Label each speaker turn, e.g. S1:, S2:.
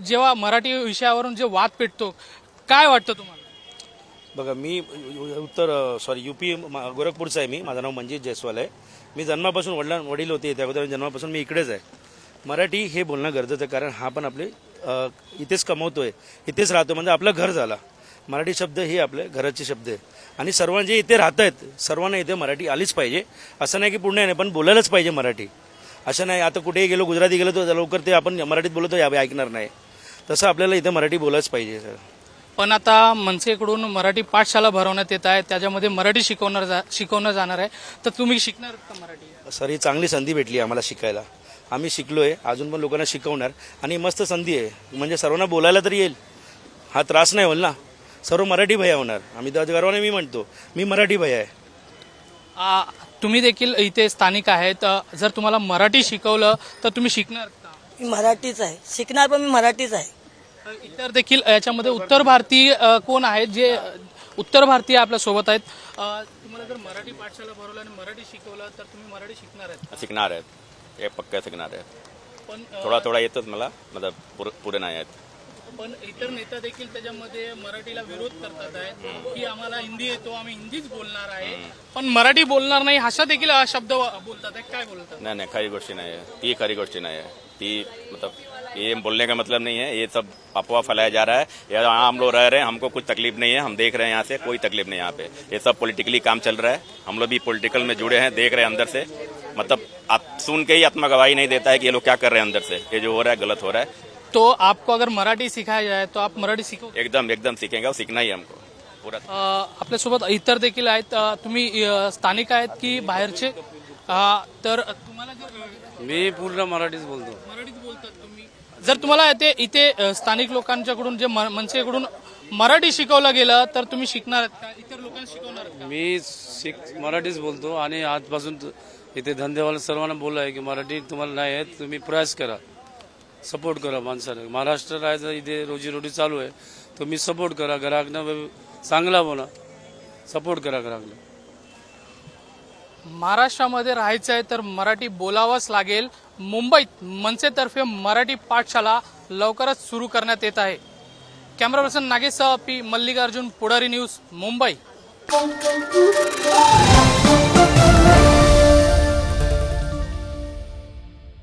S1: जेव्हा मराठी विषयावरून जे वाद पेटतो, काय वाटतं तुम्हाला?
S2: बघा, मी यूपी गोरखपूरचा आहे. माझं नाव मंजित जयस्वाल आहे. मी जन्मापासून वडील होते त्या अगोदर जन्मापासून मी इकडेच आहे. मराठी हे बोलणं गरजेचं आहे, कारण हा पण आपले इथेच कमवतोय, इथेच राहतो, म्हणजे आपलं घर झाला. मराठी शब्द हे आपले घराचे शब्द आहे आणि सर्वांना जे इथे राहत आहेत सर्वांना इथे मराठी आलीच पाहिजे. असं नाही की पुण्य नाही, पण बोलायलाच पाहिजे मराठी. असं नाही आता कुठेही गेलो, गुजराती गेलो तर लवकर ते आपण मराठीत बोलतो ऐकणार नाही. तसं आपल्याला इथे मराठी बोलायच पाहिजे सर.
S1: पण आता मनसेकडून मराठी पाठशाला भरवण्यात येत आहे, त्याच्यामध्ये मराठी शिकवणं जाणार आहे, तर तुम्ही शिकणार का मराठी?
S2: सर, ही चांगली संधी भेटली आम्हाला शिकायला. आम्ही शिकलोय, अजून पण लोकांना शिकवणार आणि मस्त संधी आहे. म्हणजे सर्वांना बोलायला तरी येईल, हा त्रास नाही होईल ना. सर्व मराठी भैया होणार. आम्ही तर गर्वाने मी म्हणतो मी मराठी भैया आहे.
S1: तुम्ही देखील इथे स्थानिक आहेत, जर तुम्हाला मराठी शिकवलं तर तुम्ही शिकणार का?
S3: मी मराठीच आहे, शिकणार पण मी मराठीच आहे.
S1: इतर देखील याच्यामध्ये उत्तर भारतीय कोण आहेत जे उत्तर भारतीय आपल्या सोबत आहेत. तुम्हाला जर मराठी पाठशाला भरवलं आणि मराठी शिकवलं तर तुम्ही मराठी शिकणार आहेत?
S4: शिकणार आहेत, हे पक्का शिकणार आहेत.
S1: पण
S4: थोडा थोडा येतच मला, मतलब पुरे नाही आहेत.
S1: पण इतर नेता देखील त्याच्यामध्ये मराठीला विरोध करतात आहेत की आम्हाला हिंदी येतो, आम्ही हिंदीच बोलणार आहे, पण मराठी बोलणार नाही अशा देखील शब्द बोलतात आहे. काय बोलतात?
S4: नहीं नहीं, खरी गोष्टी नहीं है, ती खरी गोष्टी नहीं है. ती मतलब ये बोलने का मतलब नहीं है, ये सब अफवाह फैलाया जा रहा है. यहाँ हम लोग रह रहे हैं, हमको कुछ तकलीफ नहीं है, हम देख रहे हैं यहाँ से, कोई तकलीफ नहीं यहाँ पे. ये सब पॉलिटिकली काम चल रहा है, हम लोग भी पॉलिटिकल में जुड़े हैं, देख रहे हैं अंदर से. मतलब आप सुन के ही आत्मा गवाही नहीं देता है कि ये लोग क्या कर रहे हैं अंदर से. ये जो हो रहा है गलत हो रहा है.
S1: तो आपको अगर मराठी सिखाया जाए तो आप मराठी शिकू?
S4: एकदम एकदम सीखेंगे और सीखना ही है हमको पूरा.
S1: आपल्यासोबत इतर देखील आहेत. तुम्ही स्थानिक आहेत की बाहेरचे? तर तुम्हाला जर
S5: मी पूर्ण मराठीच बोलतो.
S1: मराठीत बोलतात तुम्ही, जर तुम्हाला इथे स्थानिक लोकांच्याकडून जे मनसेकडून मराठी शिकवलं गेलं तर तुम्ही शिकणार आहेत का? इतर लोकांना शिकवणार आहेत का?
S5: मी मराठीच बोलतो आणि आजपासून इथे धंदेवाला सर्वांना बोललो आहे की मराठी तुम्हाला नाही येत, तुम्ही प्रयास करा, सपोर्ट करा माणसाला. महाराष्ट्र राहायचं इथे रोजीरोटी चालू आहे, तुम्ही सपोर्ट करा. ग्राहकना चांगला बोला, सपोर्ट करा ग्राहकला.
S1: महाराष्ट्रामध्ये राहायचं आहे तर मराठी बोलावंच लागेल. मुंबईत मनसेतर्फे मराठी पाठशाला लवकरच सुरू करण्यात येत आहे. कॅमेरा पर्सन नागेशसह पी मल्लिकार्जुन, पुढारी न्यूज, मुंबई.